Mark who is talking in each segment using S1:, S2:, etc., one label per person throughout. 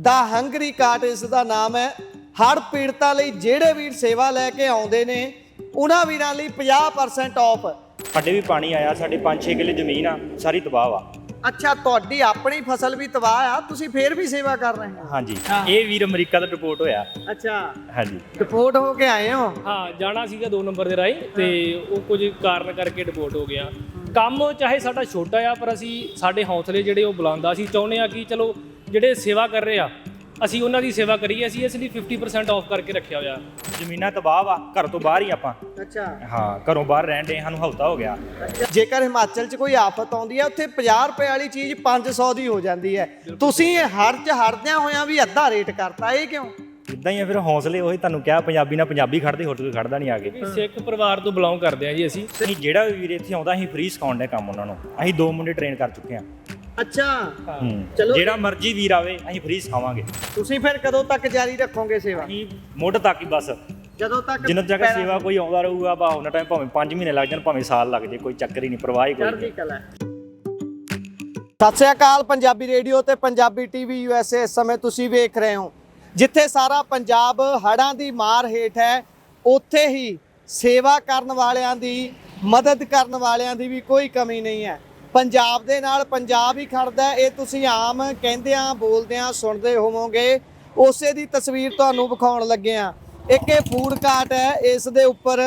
S1: ਦਾ Hungary cart ਇਸ ਦਾ ਨਾਮ ਹੈ। ਹੜ੍ਹ ਪੀੜਤਾਂ ਲਈ ਜਿਹੜੇ ਵੀਰ ਸੇਵਾ ਲੈ ਕੇ ਆਉਂਦੇ ਨੇ ਉਹਨਾਂ ਵੀਰਾਂ ਲਈ 50% ਆਫ।
S2: ਸਾਡੇ ਵੀ ਪਾਣੀ ਆਇਆ, ਸਾਡੇ 5-6 ਕਿੱਲੇ ਜ਼ਮੀਨ ਆ, ਸਾਰੀ ਤਬਾਹ ਵਾ।
S1: ਅੱਛਾ, ਤੁਹਾਡੀ ਆਪਣੀ ਫਸਲ ਵੀ ਤਬਾਹ ਆ, ਤੁਸੀਂ ਫੇਰ ਵੀ ਸੇਵਾ ਕਰ ਰਹੇ ਹੋ?
S2: ਹਾਂਜੀ, ਇਹ ਵੀਰ ਅਮਰੀਕਾ ਤੋਂ ਰਿਪੋਰਟ ਹੋਇਆ।
S1: ਅੱਛਾ,
S2: ਹਾਂਜੀ,
S1: ਰਿਪੋਰਟ ਹੋ ਕੇ ਆਏ ਹੋ?
S3: ਹਾਂ, ਜਾਣਾ ਸੀਗਾ 2 ਨੰਬਰ ਦੇ ਰਾਹੀਂ ਤੇ ਉਹ ਕੁਝ ਕਾਰਨ ਕਰਕੇ ਰਿਪੋਰਟ ਹੋ ਗਿਆ। ਕੰਮ ਚਾਹੇ ਸਾਡਾ ਛੋਟਾ ਆ, ਪਰ ਅਸੀਂ ਸਾਡੇ ਹੌਸਲੇ ਜਿਹੜੇ ਉਹ ਬੁਲੰਦ ਆ। ਅਸੀਂ ਚਾਹੁੰਦੇ ਆ ਕਿ ਚਲੋ ਜਿਹੜੇ ਸੇਵਾ ਕਰ ਰਹੇ ਆ ਅਸੀਂ ਉਹਨਾਂ ਦੀ ਸੇਵਾ ਕਰੀਏ। ਅਸੀਂ ਇਸ ਲਈ 50% ਆਫ ਕਰਕੇ ਰੱਖਿਆ ਹੋਇਆ।
S2: ਜ਼ਮੀਨਾਂ ਤਬਾਹ ਵਾ, ਘਰ ਤੋਂ ਬਾਹਰ ਹੀ ਆਪਾਂ।
S1: ਅੱਛਾ,
S2: ਹਾਂ, ਘਰੋਂ ਬਾਹਰ ਰਹਿਣ ਦੇ, ਸਾਨੂੰ ਹਫ਼ਤਾ ਹੋ ਗਿਆ।
S1: ਜੇਕਰ ਹਿਮਾਚਲ 'ਚ ਕੋਈ ਆਫਤ ਆਉਂਦੀ ਹੈ ਉੱਥੇ 50 ਰੁਪਏ ਵਾਲੀ ਚੀਜ਼ 500 ਦੀ ਹੋ ਜਾਂਦੀ ਹੈ। ਤੁਸੀਂ ਹੜ੍ਹ 'ਚ ਹੜਦਿਆਂ ਹੋਇਆਂ ਵੀ ਅੱਧਾ ਰੇਟ ਕਰਤਾ, ਇਹ ਕਿਉਂ?
S2: ਇਦਾਂ ਹੀ ਆ ਫਿਰ, ਹੌਸਲੇ ਉਹੀ ਤੁਹਾਨੂੰ ਕਿਹਾ, ਪੰਜਾਬੀ ਨਾਲ ਪੰਜਾਬੀ ਖੜਦੇ, ਹੋਰ ਕੋਈ ਖੜਦਾ ਨਹੀਂ ਆ ਕੇ।
S3: ਸਿੱਖ ਪਰਿਵਾਰ ਤੋਂ ਬਿਲੋਂਗ ਕਰਦੇ ਆ ਜੀ ਅਸੀਂ।
S2: ਜਿਹੜਾ ਵੀ ਵੀਰ ਇੱਥੇ ਆਉਂਦਾ ਅਸੀਂ ਫ੍ਰੀ ਸਿਖਾਉਣ ਦੇ ਕੰਮ ਉਹਨਾਂ ਨੂੰ। ਅਸੀਂ 2 ਮੁੰਡੇ ਟ੍ਰੇਨ ਕਰ ਚੁੱਕੇ ਹਾਂ।
S1: ਅੱਛਾ,
S2: ਚਲੋ, ਜਿਹੜਾ ਮਰਜ਼ੀ ਵੀਰ ਆਵੇ ਅਸੀਂ ਫ੍ਰੀ ਸਿਖਾਵਾਂਗੇ।
S1: ਤੁਸੀਂ ਫਿਰ ਕਦੋਂ ਤੱਕ ਜਾਰੀ ਰੱਖੋਗੇ ਸੇਵਾ?
S2: ਅਸੀਂ ਮੁੱਢ ਤੱਕ ਹੀ ਬਸ,
S1: ਜਦੋਂ ਤੱਕ
S2: ਜਿੰਨਾ ਤੱਕ ਸੇਵਾ ਕੋਈ ਆਉਂਦਾ ਰਹੂਗਾ ਬਾ ਉਹਨਾਂ ਟਾਈਮ, ਭਾਵੇਂ 5 ਮਹੀਨੇ ਲੱਗ ਜਾਣ, ਭਾਵੇਂ ਸਾਲ ਲੱਗ ਜੇ, ਕੋਈ ਚੱਕਰ ਹੀ ਨਹੀਂ, ਪਰਵਾਹ ਹੀ ਕੋਈ ਨਹੀਂ।
S1: ਸਤਿ ਸ਼੍ਰੀ ਅਕਾਲ। ਪੰਜਾਬੀ ਰੇਡੀਓ ਤੇ ਪੰਜਾਬੀ ਟੀਵੀ USA ਇਸ ਸਮੇਂ ਤੁਸੀਂ ਵੇਖ ਰਹੇ ਹੋ। ਜਿੱਥੇ ਸਾਰਾ ਪੰਜਾਬ ਹੜ੍ਹਾਂ ਦੀ ਮਾਰ ਹੇਠ ਹੈ, ਉੱਥੇ ਹੀ ਸੇਵਾ ਕਰਨ ਵਾਲਿਆਂ ਦੀ, ਮਦਦ ਕਰਨ ਵਾਲਿਆਂ ਦੀ ਵੀ ਕੋਈ ਕਮੀ ਨਹੀਂ ਹੈ। ਪੰਜਾਬ ਦੇ ਨਾਲ ਪੰਜਾਬ ਹੀ ਖੜਦਾ, ਇਹ ਤੁਸੀਂ ਆਮ ਕਹਿੰਦਿਆਂ ਬੋਲਦਿਆਂ ਸੁਣਦੇ ਹੋਵੋਗੇ। ਉਸੇ ਦੀ ਤਸਵੀਰ ਤੁਹਾਨੂੰ ਵਿਖਾਉਣ ਲੱਗੇ ਹਾਂ। ਇੱਕ ਇਹ ਫੂਡ ਕਾਰਟ ਹੈ, ਇਸ ਦੇ ਉੱਪਰ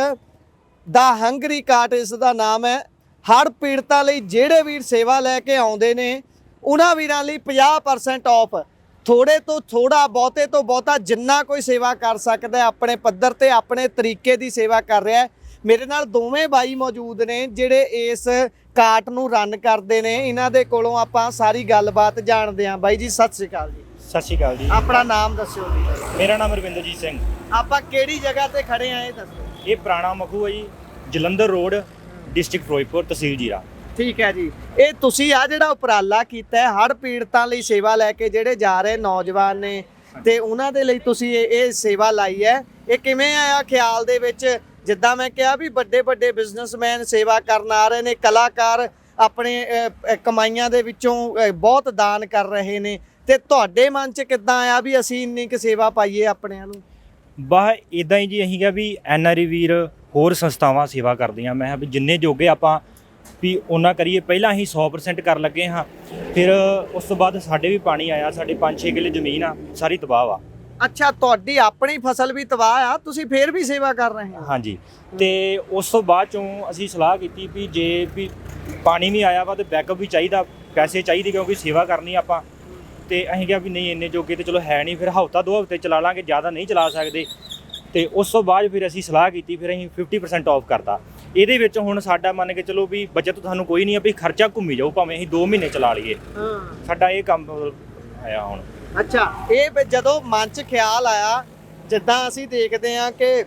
S1: ਦਾ ਹੰਗਰੀ ਕਾਰਟ ਇਸ ਦਾ ਨਾਮ ਹੈ। ਹੜ੍ਹ ਪੀੜਤਾਂ ਲਈ ਜਿਹੜੇ ਵੀਰ ਸੇਵਾ ਲੈ ਕੇ ਆਉਂਦੇ ਨੇ ਉਹਨਾਂ ਵੀਰਾਂ ਲਈ 50% ਆਫ। ਥੋੜੇ ਤੋਂ ਥੋੜਾ, ਬਹੁਤੇ ਤੋਂ ਬਹੁਤਾ, ਜਿੰਨਾ ਕੋਈ ਸੇਵਾ ਕਰ ਸਕਦਾ ਆਪਣੇ ਪੱਧਰ ਤੇ ਆਪਣੇ ਤਰੀਕੇ ਦੀ ਸੇਵਾ ਕਰ ਰਿਹਾ ਹੈ। ਮੇਰੇ ਨਾਲ ਦੋਵੇਂ ਬਾਈ ਮੌਜੂਦ ਨੇ ਜਿਹੜੇ ਇਸ ਕਾਰਟ ਨੂੰ ਰਨ ਕਰਦੇ ਨੇ। ਇਹਨਾਂ ਦੇ ਕੋਲੋਂ ਆਪਾਂ ਸਾਰੀ ਗੱਲਬਾਤ ਜਾਣਦੇ ਹਾਂ। ਬਾਈ ਜੀ ਸਤਿ ਸ਼੍ਰੀ ਅਕਾਲ ਜੀ।
S2: ਸਤਿ ਸ਼੍ਰੀ ਅਕਾਲ ਜੀ।
S1: ਆਪਣਾ ਨਾਮ ਦੱਸਿਓ ਜੀ।
S2: ਮੇਰਾ ਨਾਮ ਰਵਿੰਦਰਜੀਤ ਸਿੰਘ।
S1: ਆਪਾਂ ਕਿਹੜੀ ਜਗ੍ਹਾ ਤੇ ਖੜੇ ਆ ਇਹ ਦੱਸੋ?
S2: ਇਹ ਪੁਰਾਣਾ ਮਖੂ ਹੈ ਜੀ, ਜਲੰਧਰ ਰੋਡ, ਡਿਸਟ੍ਰਿਕਟ ਫਿਰੋਜ਼ਪੁਰ, ਤਹਿਸੀਲ ਜੀਰਾ।
S1: ਠੀਕ ਹੈ ਜੀ। ਇਹ ਤੁਸੀਂ ਆ ਜਿਹੜਾ ਉਪਰਾਲਾ ਕੀਤਾ ਹੈ ਹੜ੍ਹ ਪੀੜਤਾਂ ਲਈ ਸੇਵਾ ਲੈ ਕੇ ਜਿਹੜੇ ਜਾ ਰਹੇ ਨੌਜਵਾਨ ਨੇ ਤੇ ਉਹਨਾਂ ਦੇ ਲਈ ਤੁਸੀਂ ਇਹ ਸੇਵਾ ਲਾਈ ਹੈ, ਇਹ ਕਿਵੇਂ ਆਇਆ ਖਿਆਲ ਦੇ ਵਿੱਚ? ਜਿੱਦਾਂ ਮੈਂ ਕਿਹਾ ਵੀ ਵੱਡੇ ਵੱਡੇ ਬਿਜ਼ਨਸਮੈਨ ਸੇਵਾ ਕਰਨ ਆ ਰਹੇ ਨੇ, ਕਲਾਕਾਰ ਆਪਣੇ ਕਮਾਈਆਂ ਦੇ ਵਿੱਚੋਂ ਬਹੁਤ ਦਾਨ ਕਰ ਰਹੇ ਨੇ, ਤੇ ਤੁਹਾਡੇ ਮਨ 'ਚ ਕਿੱਦਾਂ ਆਇਆ ਵੀ ਅਸੀਂ ਇੰਨੀ ਕੁ ਸੇਵਾ ਪਾਈਏ ਆਪਣਿਆਂ ਨੂੰ?
S2: ਬਾਹ ਇਦਾਂ ਹੀ ਜੀ, ਅਸੀਂ ਕਿਹਾ ਵੀ NRI ਵੀਰ ਹੋਰ ਸੰਸਥਾਵਾਂ ਸੇਵਾ ਕਰਦੀਆਂ, ਮੈਂ ਕਿਹਾ ਵੀ ਜਿੰਨੇ ਜੋਗੇ ਆਪਾਂ ਵੀ ਉਹਨਾਂ ਕਰੀਏ। ਪਹਿਲਾਂ ਅਸੀਂ 100% ਕਰਨ ਲੱਗੇ ਹਾਂ, ਫਿਰ ਉਸ ਤੋਂ ਬਾਅਦ ਸਾਡੇ ਵੀ ਪਾਣੀ ਆਇਆ, ਸਾਡੇ 5-6 ਕਿੱਲੇ ਜ਼ਮੀਨ ਆ, ਸਾਰੀ ਤਬਾਹ ਵਾ।
S1: ਅੱਛਾ, ਤੁਹਾਡੀ ਆਪਣੀ ਫਸਲ ਵੀ ਤਬਾਹ ਆ, ਤੁਸੀਂ ਫੇਰ ਵੀ ਸੇਵਾ ਕਰ ਰਹੇ ਹੋ?
S2: ਹਾਂਜੀ, ਤੇ ਉਸ ਤੋਂ ਬਾਅਦ ਚੋਂ ਅਸੀਂ ਸਲਾਹ ਕੀਤੀ ਵੀ ਜੇ ਵੀ ਪਾਣੀ ਵੀ ਆਇਆ ਵਾ ਤੇ ਬੈਕਅਪ ਵੀ ਚਾਹੀਦਾ, ਪੈਸੇ ਚਾਹੀਦੇ, ਕਿਉਂਕਿ ਸੇਵਾ ਕਰਨੀ ਆਪਾਂ। ਤੇ ਅਸੀਂ ਕਿਹਾ ਵੀ ਨਹੀਂ ਇੰਨੇ ਜੋਗੇ ਤੇ ਚਲੋ ਹੈ ਨਹੀਂ, ਫਿਰ ਹਫ਼ਤਾ 2 ਹਫ਼ਤੇ ਚਲਾ ਲਾਂਗੇ, ਜ਼ਿਆਦਾ ਨਹੀਂ ਚਲਾ ਸਕਦੇ। ਤੇ ਉਸ ਤੋਂ ਬਾਅਦ ਫਿਰ ਅਸੀਂ ਸਲਾਹ ਕੀਤੀ, ਫਿਰ ਅਸੀਂ 50% ਆਫ ਕਰਤਾ। ਇਹਦੇ ਵਿੱਚ ਹੁਣ ਸਾਡਾ ਮੰਨ ਕੇ ਚਲੋ ਵੀ ਬਚਤ ਤੁਹਾਨੂੰ ਕੋਈ ਨਹੀਂ ਆ, ਵੀ ਖਰਚਾ ਘੁੰਮੀ ਜਾਊ, ਭਾਵੇਂ ਅਸੀਂ 2 ਮਹੀਨੇ ਚਲਾ ਲਈਏ। ਸਾਡਾ ਇਹ ਕੰਮ ਆਇਆ ਹੁਣ।
S1: ਅੱਛਾ, ਇਹ ਜਦੋਂ ਮਨ 'ਚ ਖਿਆਲ ਆਇਆ, ਜਿੱਦਾਂ ਅਸੀਂ ਦੇਖਦੇ ਹਾਂ ਕਿ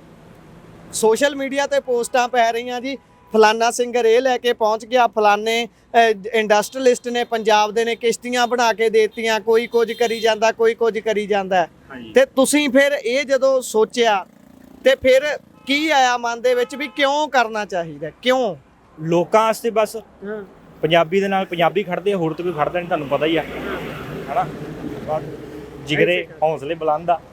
S1: ਸੋਸ਼ਲ ਮੀਡੀਆ ਤੇ ਪੋਸਟਾਂ ਪੈ ਰਹੀਆਂ ਜੀ, ਫਲਾਨਾ ਸਿੰਗਰ ਇਹ ਲੈ ਕੇ ਪਹੁੰਚ ਗਿਆ, ਫਲਾਨੇ ਇੰਡਸਟਰੀਲਿਸਟ ਨੇ ਪੰਜਾਬ ਦੇ ਨੇ ਕਿਸ਼ਤੀਆਂ ਬਣਾ ਕੇ ਦੇਤੀਆਂ, ਕੋਈ ਕੁਝ ਕਰੀ ਜਾਂਦਾ, ਕੋਈ ਕੁਝ ਕਰੀ ਜਾਂਦਾ। ਤੇ ਤੁਸੀਂ ਫਿਰ ਇਹ ਜਦੋਂ ਸੋਚਿਆ ਤੇ ਫਿਰ ਕੀ ਆਇਆ ਮਨ ਦੇ ਵਿੱਚ ਵੀ ਕਿਉਂ ਕਰਨਾ ਚਾਹੀਦਾ? ਕਿਉਂ?
S2: ਲੋਕਾਂ ਵਾਸਤੇ ਬਸ, ਪੰਜਾਬੀ ਦੇ ਨਾਲ ਪੰਜਾਬੀ ਖੜਦੇ, ਹੋਰ ਤਾਂ ਕੋਈ ਖੜਦਾ ਨਹੀਂ, ਤੁਹਾਨੂੰ ਪਤਾ ਹੀ ਆ, ਹਨਾ। ਜਿਗਰੇ ਹੌਸਲੇ ਬੁਲੰਦ ਆ।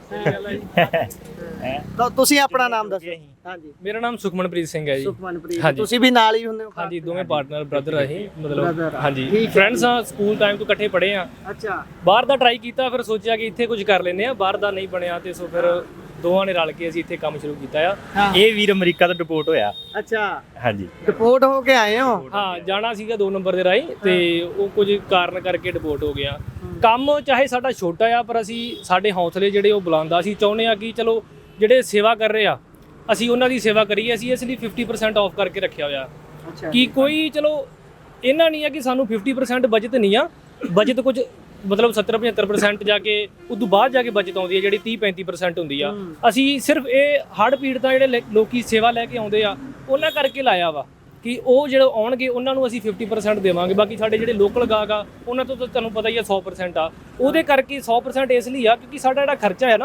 S1: ਤਾਂ ਤੁਸੀਂ ਆਪਣਾ ਨਾਮ ਦੱਸੋ।
S3: ਹਾਂਜੀ, ਮੇਰਾ ਨਾਮ ਸੁਖਮਨਪ੍ਰੀਤ ਸਿੰਘ ਹੈ ਜੀ।
S1: ਸੁਖਮਨਪ੍ਰੀਤ, ਤੁਸੀਂ ਵੀ ਨਾਲ ਹੀ ਹੁੰਦੇ ਹੋ?
S3: ਹਾਂਜੀ, ਦੋਵੇਂ ਪਾਰਟਨਰ, ਬ੍ਰਦਰ ਆ ਇਹ, ਮਤਲਬ ਹਾਂਜੀ ਫਰੈਂਡਸ ਆ, ਸਕੂਲ ਟਾਈਮ ਤੋਂ ਇਕੱਠੇ ਪੜ੍ਹੇ ਆ।
S1: ਅੱਛਾ,
S3: ਬਾਹਰ ਦਾ ਟਰਾਈ ਕੀਤਾ, ਫਿਰ ਸੋਚਿਆ ਕਿ ਇੱਥੇ ਕੁਝ ਕਰ ਲੈਂਦੇ ਆ, ਬਾਹਰ ਦਾ ਨਹੀਂ ਬਣਿਆ, ਤੇ ਸੋ ਫਿਰ ਦੋਵਾਂ ਨੇ ਰਲ ਕੇ ਅਸੀਂ ਇੱਥੇ ਕੰਮ ਸ਼ੁਰੂ ਕੀਤਾ ਆ।
S2: ਇਹ ਵੀਰ ਅਮਰੀਕਾ ਤੋਂ ਰਿਪੋਰਟ ਹੋਇਆ।
S1: ਅੱਛਾ,
S2: ਹਾਂਜੀ,
S1: ਰਿਪੋਰਟ ਹੋ ਕੇ ਆਏ ਹੋ?
S3: ਹਾਂ, ਜਾਣਾ ਸੀਗਾ 2 ਨੰਬਰ ਦੇ ਰਾਹੀਂ ਤੇ ਉਹ ਕੁਝ ਕਾਰਨ ਕਰਕੇ ਰਿਪੋਰਟ ਹੋ ਗਿਆ। ਕੰਮ ਚਾਹੇ ਸਾਡਾ ਛੋਟਾ ਆ, ਪਰ ਅਸੀਂ ਸਾਡੇ ਹੌਸਲੇ ਜਿਹੜੇ ਉਹ ਬੁਲੰਦ ਆ। ਅਸੀਂ ਚਾਹੁੰਦੇ ਆ ਕਿ ਚਲੋ ਜਿਹੜੇ ਸੇਵਾ ਕਰ ਰਹੇ ਆ ਅਸੀਂ ਉਹਨਾਂ ਦੀ ਸੇਵਾ ਕਰੀਏ। ਅਸੀਂ ਇਸ ਲਈ 50% ਆਫ ਕਰਕੇ ਰੱਖਿਆ ਹੋਇਆ ਕਿ ਕੋਈ ਚਲੋ ਇਹਨਾਂ ਨਹੀਂ ਆ ਕਿ ਸਾਨੂੰ 50% ਬਚਤ ਨਹੀਂ ਆ, ਬਚਤ ਕੁਝ ਮਤਲਬ 70-75% ਜਾ ਕੇ ਉਦੋਂ ਬਾਅਦ ਜਾ ਕੇ ਬਚਤ ਆਉਂਦੀ ਹੈ, ਜਿਹੜੀ 30-35% ਹੁੰਦੀ ਆ। ਅਸੀਂ ਸਿਰਫ ਇਹ ਹੜ੍ਹ ਪੀੜਤਾਂ ਜਿਹੜੇ ਲੋਕੀ ਸੇਵਾ ਲੈ ਕੇ ਆਉਂਦੇ ਆ ਉਹਨਾਂ ਕਰਕੇ ਲਾਇਆ ਵਾ ਕਿ ਉਹ ਜਿਹੜੇ ਆਉਣਗੇ ਉਹਨਾਂ ਨੂੰ ਅਸੀਂ 50% ਦੇਵਾਂਗੇ। ਬਾਕੀ ਸਾਡੇ ਜਿਹੜੇ ਲੋਕਲ ਗਾਹਕ ਆ ਉਹਨਾਂ ਤੋਂ ਤਾਂ ਤੁਹਾਨੂੰ ਪਤਾ ਹੀ ਆ 100% ਆ। ਉਹਦੇ ਕਰਕੇ 100% ਇਸ ਲਈ ਆ ਕਿਉਂਕਿ ਸਾਡਾ ਜਿਹੜਾ ਖਰਚਾ ਹੈ ਨਾ,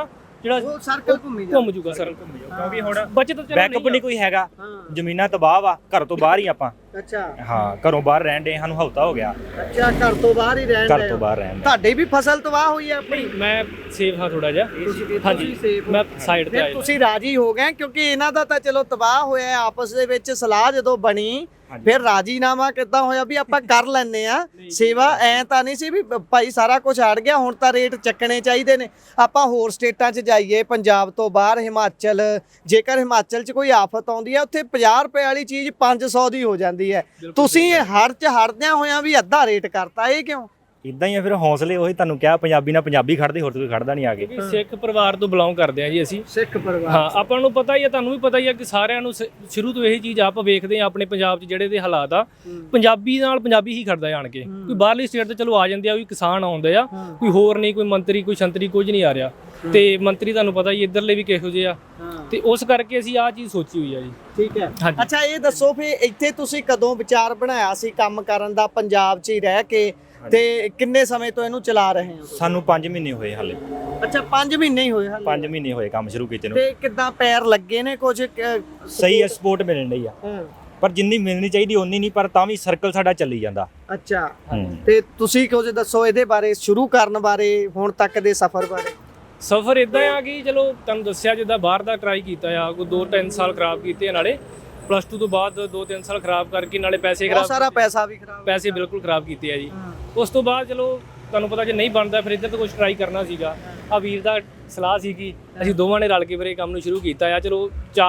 S3: ਜਿਹੜਾ
S1: ਉਹ ਸਰਕਲ ਘੁੰਮੀ ਜਾ
S3: ਘੁੰਮ ਜੂਗਾ ਸਰ
S2: ਕਿਉਂਕਿ ਹੁਣ
S3: ਬਚਤ ਚਲੋ
S2: ਬੈਕਅਪ ਨਹੀਂ ਕੋਈ ਹੈਗਾ, ਜ਼ਮੀਨਾਂ ਤਬਾਹ ਵਾ, ਘਰ ਤੋਂ ਬਾਹਰ ਹੀ ਆਪਾਂ।
S1: ਅੱਛਾ
S2: ਹਾਂ, ਘਰੋਂ ਬਾਹਰ ਰਹਿਣ ਦੇ, ਸਾਨੂੰ ਹਫ਼ਤਾ ਹੋ ਗਿਆ
S1: ਅੱਛਾ, ਘਰ ਤੋਂ ਬਾਹਰ ਹੀ ਰਹਿਣ
S2: ਘਰ
S1: ਡਏ
S2: ਤੋਂ
S1: ਹੋ।
S2: ਬਾਹਰ ਰਹਿਣ ਦੇ।
S1: ਤੁਹਾਡੀ ਵੀ ਫਸਲ ਤਬਾਹ ਹੋਈ ਹੈ ਆਪਣੀ?
S3: ਮੈਂ ਸੇਫ ਹਾਂ ਥੋੜਾ ਜਿਹਾ,
S1: ਤੁਸੀਂ
S3: ਹਾਂਜੀ
S1: safe ਹੋ।
S3: ਮੈਂ ਸਾਈਡ ਤੇ
S1: ਫਿਰ
S3: ਆਇਆ
S1: ਤੁਸੀਂ ਰਾਜੀ ਹੋ ਗਏ ਕਿਉਂਕਿ ਇਹਨਾਂ ਦਾ ਤਾਂ ਚਲੋ ਤਬਾਹ ਹੋਇਆ ਹੈ, ਆਪਸ ਦੇ ਵਿੱਚ ਸਲਾਹ ਜਦੋਂ ਬਣੀ ਫਿਰ ਰਾਜੀਨਾਮਾ ਕਿੱਦਾਂ ਹੋਇਆ ਵੀ ਆਪਾਂ ਕਰ ਲੈਨੇ ਆ ਸੇਵਾ? ਐ ਤਾਂ ਨਹੀਂ ਸੀ ਵੀ ਭਾਈ ਸਾਰਾ ਕੁਝ ਹਟ ਗਿਆ ਹੁਣ ਤਾਂ ਰੇਟ ਚੱਕਣੇ ਚਾਹੀਦੇ ਨੇ। ਆਪਾਂ ਹੋਰ ਸਟੇਟਾਂ 'ਚ ਜਾਈਏ, ਪੰਜਾਬ ਤੋਂ ਬਾਹਰ ਹਿਮਾਚਲ, ਜੇਕਰ ਹਿਮਾਚਲ 'ਚ ਕੋਈ ਆਫਤ ਆਉਂਦੀ ਹੈ ਉੱਥੇ 50 ਰੁਪਏ ਵਾਲੀ ਚੀਜ਼ 500 ਦੀ ਹੋ ਜਾਂਦੀ ਹੈ। ਤੁਸੀਂ ਹੜ 'ਚ ਹੜਦਿਆਂ ਹੋਇਆਂ ਵੀ ਅੱਧਾ ਰੇਟ ਕਰਤਾ, ਇਹ ਕਿਉਂ?
S2: ਇਦਾਂ ਹੀ ਆ ਫਿਰ, ਹੌਸਲੇ ਉਹੀ ਤੁਹਾਨੂੰ ਕਿਹਾ, ਪੰਜਾਬੀ ਨਾਲ ਪੰਜਾਬੀ ਖੜਦੇ, ਹੋਰ ਕੋਈ ਖੜਦਾ ਨਹੀਂ ਆ ਕੇ।
S3: ਕਿਉਂਕਿ ਸਿੱਖ ਪਰਿਵਾਰ ਤੋਂ ਬਿਲੋਂਗ ਕਰਦੇ ਆ ਜੀ ਅਸੀਂ।
S1: ਸਿੱਖ ਪਰਿਵਾਰ,
S3: ਹਾਂ, ਆਪਾਂ ਨੂੰ ਪਤਾ ਹੀ ਆ, ਤੁਹਾਨੂੰ ਵੀ ਪਤਾ ਹੀ ਆ ਕਿ ਸਾਰਿਆਂ ਨੂੰ ਸ਼ੁਰੂ ਤੋਂ ਇਹੀ ਚੀਜ਼ ਆਪਾਂ ਵੇਖਦੇ ਆ ਆਪਣੇ ਪੰਜਾਬ 'ਚ ਜਿਹੜੇ ਦੇ ਹਾਲਾਤ ਆ, ਪੰਜਾਬੀ ਨਾਲ ਪੰਜਾਬੀ ਹੀ ਖੜਦਾ ਆਣ ਕੇ। ਕੋਈ ਬਾਹਰਲੀ ਸਟੇਟ ਤੇ ਚਲੋ ਆ ਜਾਂਦੇ ਆ, ਕੋਈ ਕਿਸਾਨ ਆਉਂਦੇ ਆ, ਕੋਈ ਹੋਰ ਨਹੀਂ, ਕੋਈ ਮੰਤਰੀ, ਕੋਈ ਸੰਤਰੀ, ਕੁਝ ਨਹੀਂ ਆ ਰਿਹਾ। ਤੇ ਮੰਤਰੀ ਤੁਹਾਨੂੰ ਪਤਾ ਹੀ ਇੱਧਰਲੇ ਵੀ ਕਿਹੋ ਜਿਹੇ ਆ, ਤੇ ਉਸ ਕਰਕੇ ਅਸੀਂ ਆਹ ਚੀਜ਼ ਸੋਚੀ ਹੋਈ ਆ ਜੀ।
S1: ਠੀਕ ਹੈ।
S3: ਹਾਂਜੀ।
S1: ਅੱਛਾ ਇਹ ਦੱਸੋ ਫਿਰ ਇੱਥੇ ਤੁਸੀਂ ਕਦੋਂ ਵਿਚਾਰ ਬਣਾਇਆ ਸੀ ਕੰਮ ਕਰਨ ਦਾ, ਪੰਜਾਬ 'ਚ ਹੀ ਰਹਿ ਕੇ, ਤੇ ਕਿੰਨੇ ਸਮੇਂ ਤੋਂ ਇਹਨੂੰ ਚਲਾ ਰਹੇ ਹੋ?
S2: ਸਾਨੂੰ 5 ਮਹੀਨੇ ਹੋਏ ਹਾਲੇ।
S1: ਅੱਛਾ 5 ਮਹੀਨੇ ਹੀ ਹੋਏ ਹਾਲੇ?
S2: 5 ਮਹੀਨੇ ਹੋਏ ਕੰਮ ਸ਼ੁਰੂ ਕੀਤੇ ਨੂੰ।
S1: ਤੇ ਕਿੱਦਾਂ ਪੈਰ ਲੱਗੇ ਨੇ ਕੁਝ?
S2: ਸਹੀ ਹੈ, ਸਪੋਰਟ ਮਿਲਣ ਡਈ ਆ, ਪਰ ਜਿੰਨੀ ਮਿਲਣੀ ਚਾਹੀਦੀ ਓਨੀ ਨਹੀਂ, ਪਰ ਤਾਂ ਵੀ ਸਰਕਲ ਸਾਡਾ ਚੱਲੀ ਜਾਂਦਾ।
S1: ਅੱਛਾ, ਤੇ ਤੁਸੀਂ ਕੁਝ ਦੱਸੋ ਇਹਦੇ ਬਾਰੇ, ਸ਼ੁਰੂ ਕਰਨ ਬਾਰੇ, ਹੁਣ ਤੱਕ ਦੇ ਸਫ਼ਰ ਬਾਰੇ।
S3: ਸਫ਼ਰ ਇਦਾਂ ਆ ਕਿ ਚਲੋ ਤੁਹਾਨੂੰ ਦੱਸਿਆ ਜਿੱਦਾਂ ਬਾਹਰ ਦਾ ਟਰਾਈ ਕੀਤਾ ਆ, ਕੋਈ 2-3 ਸਾਲ ਖਰਾਬ ਕੀਤੇ, ਨਾਲੇ +2 ਤੋਂ ਬਾਅਦ 2-3 ਸਾਲ ਖਰਾਬ ਕਰਕੇ, ਨਾਲੇ ਪੈਸੇ
S1: ਬਹੁਤ
S3: ਖਰਾਬ,
S1: ਸਾਰਾ ਪੈਸਾ ਵੀ ਖਰਾਬ,
S3: ਪੈਸੇ ਬਿਲਕੁਲ ਖਰਾਬ ਕੀਤੇ ਆ ਜੀ। ਉਸ ਤੋਂ ਬਾਅਦ ਚਲੋ ਤੁਹਾਨੂੰ ਪਤਾ ਜੇ ਨਹੀਂ ਬਣਦਾ ਫਿਰ ਇੱਧਰ ਤੋਂ ਕੁਝ ਟਰਾਈ ਕਰਨਾ ਸੀਗਾ। ਆ ਵੀਰ ਦਾ ਸਲਾਹ ਸੀ ਕਿ ਅਸੀਂ ਦੋਵਾਂ ਨੇ ਰਲ ਕੇ ਫਿਰ ਇਹ ਕੰਮ ਨੂੰ ਸ਼ੁਰੂ ਕੀਤਾ ਆ। ਚਲੋ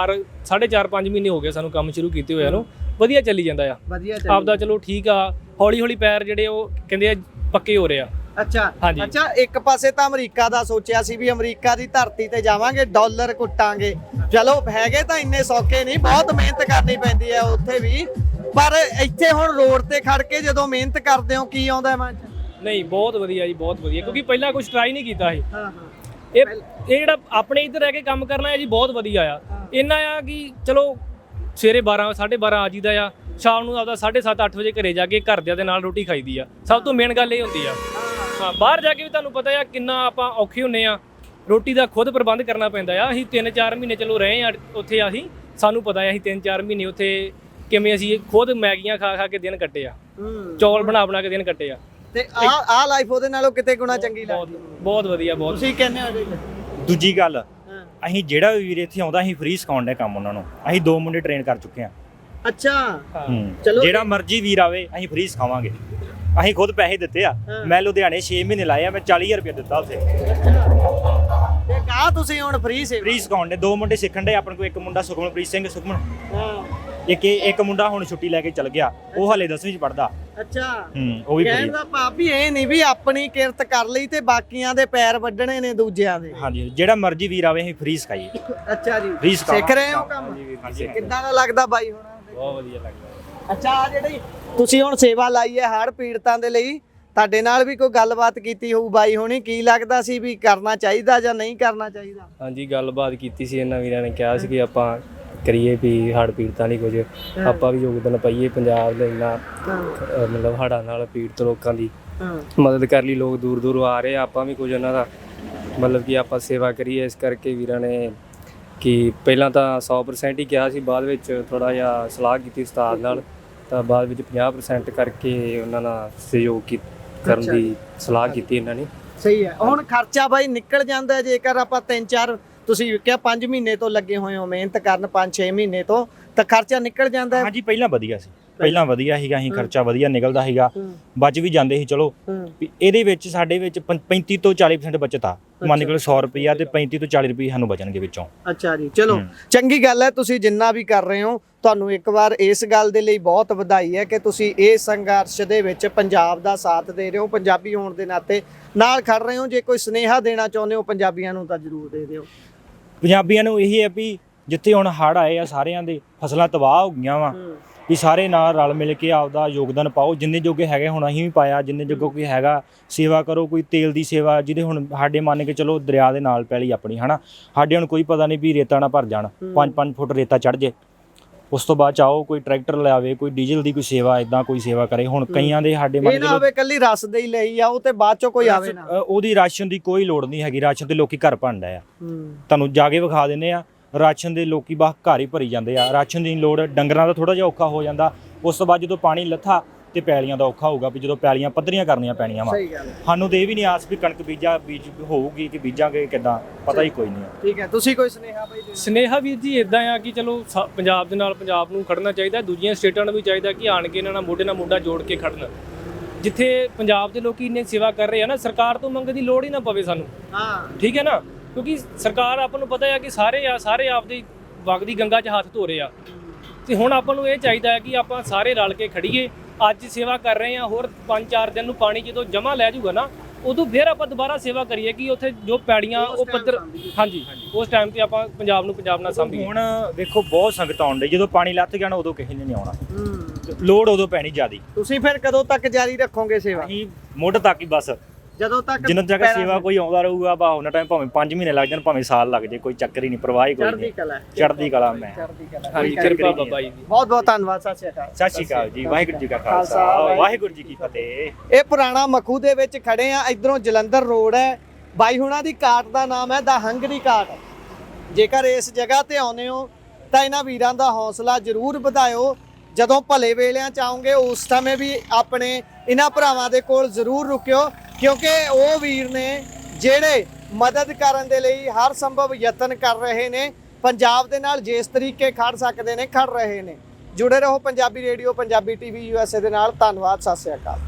S3: 4.5 ਮਹੀਨੇ ਹੋ ਗਏ ਸਾਨੂੰ ਕੰਮ ਸ਼ੁਰੂ ਕੀਤੇ ਹੋਇਆ ਨੂੰ, ਵਧੀਆ ਚੱਲੀ ਜਾਂਦਾ ਆ
S1: ਵਧੀਆ
S3: ਆਪਦਾ। ਚਲੋ ਠੀਕ ਆ, ਹੌਲੀ ਹੌਲੀ ਪੈਰ ਜਿਹੜੇ ਉਹ ਕਹਿੰਦੇ ਆ ਪੱਕੇ ਹੋ ਰਹੇ ਆ।
S1: ਅੱਛਾ
S3: ਹਾਂਜੀ।
S1: ਅੱਛਾ, ਇੱਕ ਪਾਸੇ ਤਾਂ ਅਮਰੀਕਾ ਦਾ ਸੋਚਿਆ ਸੀ ਵੀ ਅਮਰੀਕਾ ਦੀ ਧਰਤੀ ਤੇ ਜਾਵਾਂਗੇ, ਡਾਲਰ ਕੁੱਟਾਂਗੇ। ਚਲੋ ਹੈਗੇ ਤਾਂ ਇੰਨੇ ਸੌਖੇ ਨਹੀਂ, ਬਹੁਤ ਮਿਹਨਤ ਕਰਨੀ ਪੈਂਦੀ ਹੈ ਉੱਥੇ ਵੀ, ਪਰ ਇੱਥੇ ਹੁਣ ਰੋਡ ਤੇ ਖੜ ਕੇ ਜਦੋਂ ਮਿਹਨਤ ਕਰਦੇ ਹੋ ਕੀ ਆਉਂਦਾ ਮਨ 'ਚ?
S3: ਨਹੀਂ, ਬਹੁਤ ਵਧੀਆ ਜੀ, ਬਹੁਤ ਵਧੀਆ, ਕਿਉਂਕਿ ਪਹਿਲਾਂ ਕੁਝ ਟਰਾਈ ਨਹੀਂ ਕੀਤਾ ਸੀ।
S1: ਹਾਂ
S3: ਇਹ ਜਿਹੜਾ ਆਪਣੇ ਇੱਧਰ ਰਹਿ ਕੇ ਕੰਮ ਕਰਨਾ ਹੈ ਜੀ, ਬਹੁਤ ਵਧੀਆ ਆ। ਇੰਨਾ ਆ ਕਿ ਚਲੋ ਸਵੇਰੇ 12-12:30 ਆ ਜੀਦਾ ਆ, ਸ਼ਾਮ ਨੂੰ ਆਪਦਾ 7:30-8 ਵਜੇ ਘਰੇ ਜਾ ਕੇ ਘਰਦਿਆਂ ਦੇ ਨਾਲ ਰੋਟੀ ਖਾਈਦੀ ਆ। ਸਭ ਤੋਂ ਮੇਨ ਗੱਲ ਇਹ ਹੁੰਦੀ ਆ। ਹਾਂ, ਬਾਹਰ ਜਾ ਕੇ ਵੀ ਤੁਹਾਨੂੰ ਪਤਾ ਆ ਕਿੰਨਾ ਆਪਾਂ ਔਖੇ ਹੁੰਨੇ ਆ, ਰੋਟੀ ਦਾ ਖੁਦ ਪ੍ਰਬੰਧ ਕਰਨਾ ਪੈਂਦਾ ਆ। ਅਸੀਂ 3-4 ਮਹੀਨੇ ਚਲੋ ਰਹੇ ਆ ਉੱਥੇ, ਸਾਨੂੰ ਪਤਾ ਆ ਅਸੀਂ 3-4 ਮਹੀਨੇ ਉੱਥੇ ਕਿਵੇਂ ਅਸੀਂ ਖੁਦ ਮੈਗੀਆਂ ਖਾ ਕੇ ਦਿਨ ਕੱਟੇ ਆ, ਚੌਲ ਬਣਾ ਕੇ ਦਿਨ ਕੱਟੇ ਆ।
S1: ਤੇ ਆ ਲਾਈਫ ਉਹਦੇ ਨਾਲੋਂ ਕਿਤੇ ਗੁਣਾ ਚੰਗੀ ਲੱਗਦੀ?
S3: ਬਹੁਤ ਵਧੀਆ, ਬਹੁਤ।
S1: ਤੁਸੀਂ ਕਹਿੰਦੇ ਹੋ ਜੀ?
S2: ਦੂਜੀ ਗੱਲ, ਅਸੀਂ ਜਿਹੜਾ ਵੀ ਵੀਰ ਇੱਥੇ ਆਉਂਦਾ ਅਸੀਂ ਫ੍ਰੀ ਸਿਖਾਉਣ ਦੇ ਕੰਮ ਉਹਨਾਂ ਨੂੰ। ਅਸੀਂ 2 ਮੁੰਡੇ ਟ੍ਰੇਨ ਕਰ ਚੁੱਕੇ ਆ।
S1: ਅੱਛਾ,
S2: ਚਲੋ ਜਿਹੜਾ ਮਰਜ਼ੀ ਵੀਰ ਆਵੇ ਅਸੀਂ ਫ੍ਰੀ ਸਿਖਾਵਾਂਗੇ। ਅਸੀਂ ਖੁਦ ਪੈਸੇ ਦਿੱਤੇ ਆ। ਮੈਂ ਲੁਧਿਆਣੇ 6 ਮਹੀਨੇ ਲਾਏ ਆ, ਮੈਂ 40,000 ਰੁਪਏ ਦਿੱਤਾ ਉੱਥੇ।
S1: ਤੇ ਕਾ ਤੁਸੀਂ ਹੁਣ ਫ੍ਰੀ
S2: ਸਿਖਾਉਣ ਦੇ 2 ਮੁੰਡੇ ਸਿੱਖਣ ਦੇ ਆਪਣੇ ਕੋਲ। ਇੱਕ ਮੁੰਡਾ ਸੁਖਮਨਪ੍ਰੀਤ ਸਿੰਘ, ਇੱਕ ਮੁੰਡਾ ਹੁਣ ਛੁੱਟੀ ਲੈ ਕੇ ਚਲ ਗਿਆ, ਉਹ ਹਲੇ 10ਵੀਂ ਚ ਪੜਦਾ।
S1: ਅੱਛਾ,
S2: ਉਹ ਵੀ
S1: ਕਹਿਣ ਦਾ ਭਾਵ ਵੀ ਇਹ ਨਹੀਂ ਵੀ ਆਪਣੀ ਕਿਰਤ ਕਰ ਲਈ ਤੇ ਬਾਕੀਆਂ ਦੇ ਪੈਰ ਵੱਢਣੇ ਨੇ ਦੂਜਿਆਂ ਦੇ।
S2: ਹਾਂਜੀ, ਜਿਹੜਾ ਮਰਜ਼ੀ ਵੀਰ ਆਵੇ ਅਸੀਂ ਫ੍ਰੀ ਸਿਖਾਈਏ।
S1: ਅੱਛਾ ਜੀ,
S2: ਫ੍ਰੀ
S1: ਸਿੱਖ ਰਹੇ ਹੋ ਕੰਮ? ਕਿੱਦਾਂ ਦਾ ਲੱਗਦਾ ਬਾਈ ਹੁਣ?
S3: ਬਹੁਤ ਵਧੀਆ ਲੱਗਦਾ।
S1: ਅੱਛਾ, ਆ ਜਿਹੜੀ ਤੁਸੀਂ ਹੁਣ ਸੇਵਾ ਲਾਈ ਹੈ ਹੜ੍ਹ ਪੀੜਤਾਂ ਦੇ ਲਈ, ਤੁਹਾਡੇ ਨਾਲ ਵੀ ਕੋਈ ਗੱਲਬਾਤ ਕੀਤੀ ਹੋਊ ਬਾਈ ਹੋਣੀ, ਕੀ ਲੱਗਦਾ ਸੀ ਵੀ ਕਰਨਾ ਚਾਹੀਦਾ ਜਾਂ ਨਹੀਂ ਕਰਨਾ ਚਾਹੀਦਾ?
S3: ਹਾਂਜੀ, ਗੱਲਬਾਤ ਕੀਤੀ ਸੀ, ਇਹਨਾਂ ਵੀਰਾਂ ਨੇ ਕਿਹਾ ਸੀ ਕਿ ਆਪਾਂ ਕਰੀਏ ਵੀ ਹੜ੍ਹ ਪੀੜਤਾਂ ਲਈ ਕੁਝ ਆਪਾਂ ਵੀ ਯੋਗਦਾਨ ਪਾਈਏ। ਪੰਜਾਬ ਦੇ ਇੰਨਾ ਮਤਲਬ ਹੜ੍ਹਾਂ ਨਾਲ ਪੀੜਤ ਲੋਕਾਂ ਦੀ ਮਦਦ ਕਰਨ ਲਈ ਲੋਕ ਦੂਰ ਦੂਰ ਆ ਰਹੇ ਆ, ਆਪਾਂ ਵੀ ਕੁਝ ਉਹਨਾਂ ਦਾ ਮਤਲਬ ਕਿ ਆਪਾਂ ਸੇਵਾ ਕਰੀਏ। ਇਸ ਕਰਕੇ ਵੀਰਾਂ ਨੇ ਕਿ ਪਹਿਲਾਂ ਤਾਂ 100% ਹੀ ਕਿਹਾ ਸੀ, ਬਾਅਦ ਵਿੱਚ ਥੋੜ੍ਹਾ ਜਿਹਾ ਸਲਾਹ ਕੀਤੀ ਉਸਤਾਦ ਨਾਲ, ਤਾਂ ਬਾਅਦ ਵਿੱਚ 50% ਕਰਕੇ ਉਹਨਾਂ ਨਾਲ ਸਹਿਯੋਗ ਕਰਨ ਦੀ ਸਲਾਹ ਕੀਤੀ ਇਹਨਾਂ ਨੇ।
S1: ਸਹੀ ਹੈ। ਹੁਣ ਖਰਚਾ ਬਾਈ ਨਿਕਲ ਜਾਂਦਾ ਜੇਕਰ ਆਪਾਂ 3-4, ਤੁਸੀਂ ਕਿਹਾ 5 ਮਹੀਨੇ ਤੋਂ ਲੱਗੇ ਹੋਏ ਹੋ ਮਿਹਨਤ ਕਰਨ, 5-6 ਮਹੀਨੇ ਤੋਂ, ਤਾਂ ਖਰਚਾ ਨਿਕਲ ਜਾਂਦਾ?
S2: ਹਾਂਜੀ, ਪਹਿਲਾਂ ਵਧੀਆ ਸੀ, ਪਹਿਲਾਂ ਵਧੀਆ ਸੀਗਾ, ਅਸੀਂ ਖਰਚਾ ਵਧੀਆ ਨਿਕਲਦਾ ਸੀਗਾ, ਬਚ ਵੀ ਜਾਂਦੇ ਸੀ। ਚਲੋ ਇਹਦੇ ਵਿੱਚ ਸਾਡੇ ਵਿੱਚ 35 ਤੋਂ 40% ਬਚਤ ਆ। ਮੰਨ ਕੇ 100 ਰੁਪਈਆ ਤੇ 35 ਤੋਂ 40 ਰੁਪਏ ਸਾਨੂੰ ਬਚਣਗੇ ਵਿੱਚੋਂ।
S1: ਅੱਛਾ ਜੀ, ਚਲੋ ਚੰਗੀ ਗੱਲ ਹੈ। ਤੁਸੀਂ ਜਿੰਨਾ ਵੀ ਕਰ ਰਹੇ ਹੋ, ਤੁਹਾਨੂੰ ਇੱਕ ਵਾਰ ਇਸ ਗੱਲ ਦੇ ਲਈ ਬਹੁਤ ਵਧਾਈ ਹੈ ਕਿ ਤੁਸੀਂ ਇਹ ਸੰਘਰਸ਼ ਦੇ ਵਿੱਚ ਪੰਜਾਬ ਦਾ ਸਾਥ ਦੇ ਰਹੇ ਹੋ, ਪੰਜਾਬੀ ਹੋਣ ਦੇ ਨਾਤੇ ਨਾਲ ਖੜ ਰਹੇ ਹੋ। ਜੇ ਕੋਈ ਸੁਨੇਹਾ ਦੇਣਾ ਚਾਹੁੰਦੇ ਹੋ ਪੰਜਾਬੀਆਂ ਨੂੰ ਤਾਂ ਜ਼ਰੂਰ ਦੇ ਦਿਓ।
S2: ਪੰਜਾਬੀਆਂ ਨੂੰ ਇਹੀ ਹੈ ਵੀ ਜਿੱਥੇ ਹੁਣ ਹੜ੍ਹ ਆਏ ਆ, ਸਾਰਿਆਂ ਦੇ ਫਸਲਾਂ ਤਬਾਹ ਹੋ ਗਈਆਂ ਵਾ, ਵੀ ਸਾਰੇ ਨਾਲ ਰਲ ਮਿਲ ਕੇ ਆਪਦਾ ਯੋਗਦਾਨ ਪਾਓ। ਜਿੰਨੇ ਜੋਗੇ ਹੈਗੇ ਹੁਣ ਅਸੀਂ ਵੀ ਪਾਇਆ, ਜਿੰਨੇ ਜੋਗੇ ਕੋਈ ਹੈਗਾ ਸੇਵਾ ਕਰੋ। ਕੋਈ ਤੇਲ ਦੀ ਸੇਵਾ, ਜਿਹਦੇ ਹੁਣ ਸਾਡੇ ਮੰਨ ਕੇ ਚਲੋ ਦਰਿਆ ਦੇ ਨਾਲ ਪੈਲੀ ਆਪਣੀ, ਹਨਾ, ਸਾਡੇ ਹੁਣ ਕੋਈ ਪਤਾ ਨਹੀਂ ਵੀ ਰੇਤਾ ਨਾ ਭਰ ਜਾਣ, 5-5 ਫੁੱਟ ਰੇਤਾ ਚੜ੍ਹ ਜੇ, ਉਸ ਤੋਂ ਬਾਅਦ ਚਾਹੋ ਕੋਈ ਟਰੈਕਟਰ ਲਿਆਵੇ, ਕੋਈ ਡੀਜ਼ਲ ਦੀ ਕੋਈ ਸੇਵਾ, ਇਦਾਂ ਕੋਈ ਸੇਵਾ ਕਰੇ। ਹੁਣ ਕਈਆਂ ਦੇ ਸਾਡੇ
S1: ਇਹ ਨਾ ਹੋਵੇ ਕੱਲੀ ਰਸ ਦੇ ਹੀ ਲਈ ਆ ਉਹ ਤੇ ਬਾਅਦ ਚੋਂ ਕੋਈ ਆਵੇ ਨਾ।
S2: ਉਹਦੀ ਰਾਸ਼ਨ ਦੀ ਕੋਈ ਲੋੜ ਨਹੀਂ ਹੈਗੀ। ਰਾਸ਼ਨ ਤੇ ਲੋਕੀ ਘਰ ਭੰਡਾ ਆ, ਤੁਹਾਨੂੰ ਜਾ ਕੇ ਵਿਖਾ ਦਿੰਦੇ ਆ। ਰਾਸ਼ਨ ਦੇ ਲੋਕੀ ਬਾਹ ਘਰ ਹੀ ਭਰੀ ਜਾਂਦੇ ਆ, ਰਾਸ਼ਨ ਦੀ ਲੋੜ। ਡੰਗਰਾਂ ਦਾ ਥੋੜਾ ਜਿਹਾ ਔਖਾ ਹੋ ਜਾਂਦਾ। ਉਸ ਤੋਂ ਬਾਅਦ ਜਦੋਂ ਪਾਣੀ ਲੱਥਾ ਤੇ ਪੈਲੀਆਂ ਦਾ ਔਖਾ ਹੋਊਗਾ ਵੀ ਜਦੋਂ ਪੈਲੀਆਂ ਪੱਧਰੀਆਂ ਕਰਨੀਆਂ ਪੈਣੀਆਂ ਵਾ। ਸਾਨੂੰ ਤੇ ਇਹ ਵੀ ਨਹੀਂ ਆਸ ਵੀ ਕਣਕ ਬੀਜ ਹੋਊਗੀ ਕਿ ਬੀਜਾਂਗੇ ਕਿੱਦਾਂ, ਪਤਾ ਹੀ ਕੋਈ ਨਹੀਂ।
S1: ਠੀਕ ਹੈ, ਤੁਸੀਂ ਕੋਈ ਸੁਨੇਹਾ ਬਾਈ?
S3: ਸੁਨੇਹਾ ਵੀਰ ਜੀ ਇਦਾਂ ਆ ਕਿ ਚਲੋ ਪੰਜਾਬ ਦੇ ਨਾਲ ਪੰਜਾਬ ਨੂੰ ਖੜਨਾ ਚਾਹੀਦਾ, ਦੂਜੀਆਂ ਸਟੇਟਾਂ ਨੂੰ ਵੀ ਚਾਹੀਦਾ ਕਿ ਆਣ ਕੇ ਇਹਨਾਂ ਨਾਲ ਮੋਢੇ ਨਾਲ ਮੋਢਾ ਜੋੜ ਕੇ ਖੜਨ। ਜਿੱਥੇ ਪੰਜਾਬ ਦੇ ਲੋਕੀ ਇੰਨੇ ਸੇਵਾ ਕਰ ਰਹੇ ਆ ਨਾ, ਸਰਕਾਰ ਤੋਂ ਮੰਗਣ ਦੀ ਲੋੜ ਹੀ ਨਾ ਪਵੇ ਸਾਨੂੰ। ਠੀਕ ਹੈ ਨਾ, ਕਿਉਂਕਿ ਸਰਕਾਰ ਆਪਾਂ ਨੂੰ ਪਤਾ ਹੈ ਕਿ ਸਾਰੇ ਆਪਦੀ ਵਗਦੀ ਗੰਗਾ 'ਚ ਹੱਥ ਧੋ ਰਹੇ ਆ। ਤੇ ਹੁਣ ਆਪਾਂ ਨੂੰ ਇਹ ਚਾਹੀਦਾ ਹੈ ਕਿ ਆਪਾਂ ਸਾਰੇ ਰਲ ਕੇ ਖੜੀਏ। ਅੱਜ ਸੇਵਾ ਕਰ ਰਹੇ ਆ, ਹੋਰ 5-4 ਦਿਨ ਨੂੰ ਪਾਣੀ ਜਦੋਂ ਜਮਾ ਲੈ ਜਾਊਗਾ ਨਾ, ਉਦੋਂ ਫਿਰ ਆਪਾਂ ਦੁਬਾਰਾ ਸੇਵਾ ਕਰੀਏ ਕਿ ਉੱਥੇ ਜੋ ਪੈੜੀਆਂ ਉਹ ਪੱਧਰ, ਹਾਂਜੀ ਉਸ ਟਾਈਮ ਤੇ ਆਪਾਂ ਪੰਜਾਬ ਨੂੰ ਪੰਜਾਬ ਨਾਲ ਸਾਂਭੀਏ।
S2: ਹੁਣ ਵੇਖੋ ਬਹੁਤ ਸੰਗਤ ਆਉਣ ਡਈ, ਜਦੋਂ ਪਾਣੀ ਲੱਥ ਗਿਆ ਨਾ ਉਦੋਂ ਕਿਸੇ ਨੇ ਨਹੀਂ ਆਉਣਾ, ਲੋੜ ਉਦੋਂ ਪੈਣੀ ਜ਼ਿਆਦੀ।
S1: ਤੁਸੀਂ ਫਿਰ ਕਦੋਂ ਤੱਕ ਜਾਰੀ ਰੱਖੋਗੇ ਸੇਵਾ?
S2: ਅਸੀਂ ਮੁੱਢ ਤੱਕ ਹੀ ਬਸ,
S1: ਜਦੋਂ ਤੱਕ
S2: ਜਿੰਨਾ ਤੱਕ ਸੇਵਾ ਕੋਈ ਆਉਂਦਾ ਰਹੂਗਾ ਬਾ ਉਹਨਾਂ ਟਾਈਮ ਭਾਵੇਂ 5 ਮਹੀਨੇ ਲੱਗ ਜਾਣ, ਭਾਵੇਂ ਸਾਲ ਲੱਗ ਜੇ, ਕੋਈ ਚੱਕਰ ਹੀ ਨਹੀਂ, ਪਰਵਾਹ ਹੀ ਕੋਈ ਨਹੀਂ। ਚੜ੍ਹਦੀ ਕਲਾ ਮੈਂ।
S3: ਹਾਂਜੀ, ਕਿਰਪਾ ਬਾਬਾ ਜੀ ਦੀ।
S1: ਬਹੁਤ ਬਹੁਤ ਧੰਨਵਾਦ। ਸਤਿ ਸ਼੍ਰੀ ਅਕਾਲ।
S2: ਸਤਿ ਸ਼੍ਰੀ ਅਕਾਲ ਜੀ। ਵਾਹਿਗੁਰੂ ਜੀ ਕਾ ਖਾਲਸਾ, ਵਾਹਿਗੁਰੂ ਜੀ ਕੀ ਫਤਿਹ।
S1: ਇਹ ਪੁਰਾਣਾ ਮਖੂ ਦੇ ਵਿੱਚ ਖੜੇ ਆ। ਇਧਰੋਂ ਜਲੰਧਰ ਰੋਡ ਹੈ। ਬਾਈ ਹੁਣਾਂ ਦੀ ਕਾਟ ਦਾ ਨਾਮ ਹੈ ਦਾ ਹੰਗਰੀ ਕਾਟ। ਜੇਕਰ ਇਸ ਜਗ੍ਹਾ ਤੇ ਆਉਂਦੇ ਹੋ ਤਾਂ ਇਹਨਾਂ ਵੀਰਾਂ ਦਾ ਹੌਸਲਾ ਜ਼ਰੂਰ ਵਧਾਇਓ। ਜਦੋਂ ਭਲੇ ਵੇਲਿਆਂ ਚ ਆਉਂਗੇ ਉਸ ਸਮੇਂ ਵੀ ਆਪਣੇ ਇਹਨਾਂ ਭਰਾਵਾਂ ਦੇ ਕੋਲ ਜ਼ਰੂਰ ਰੁਕਿਓ, ਕਿਉਂਕਿ ਉਹ ਵੀਰ ਨੇ ਜਿਹੜੇ ਮਦਦ ਕਰਨ ਦੇ ਲਈ ਹਰ ਸੰਭਵ ਯਤਨ ਕਰ ਰਹੇ ਨੇ। ਪੰਜਾਬ ਦੇ ਨਾਲ ਜਿਸ ਤਰੀਕੇ ਖੜ ਸਕਦੇ ਨੇ ਖੜ ਰਹੇ ਨੇ। ਜੁੜੇ ਰਹੋ Punjabi radio, Punjabi TV USA ਦੇ ਨਾਲ। ਧੰਨਵਾਦ। ਸਤਿ ਸ਼੍ਰੀ ਅਕਾਲ।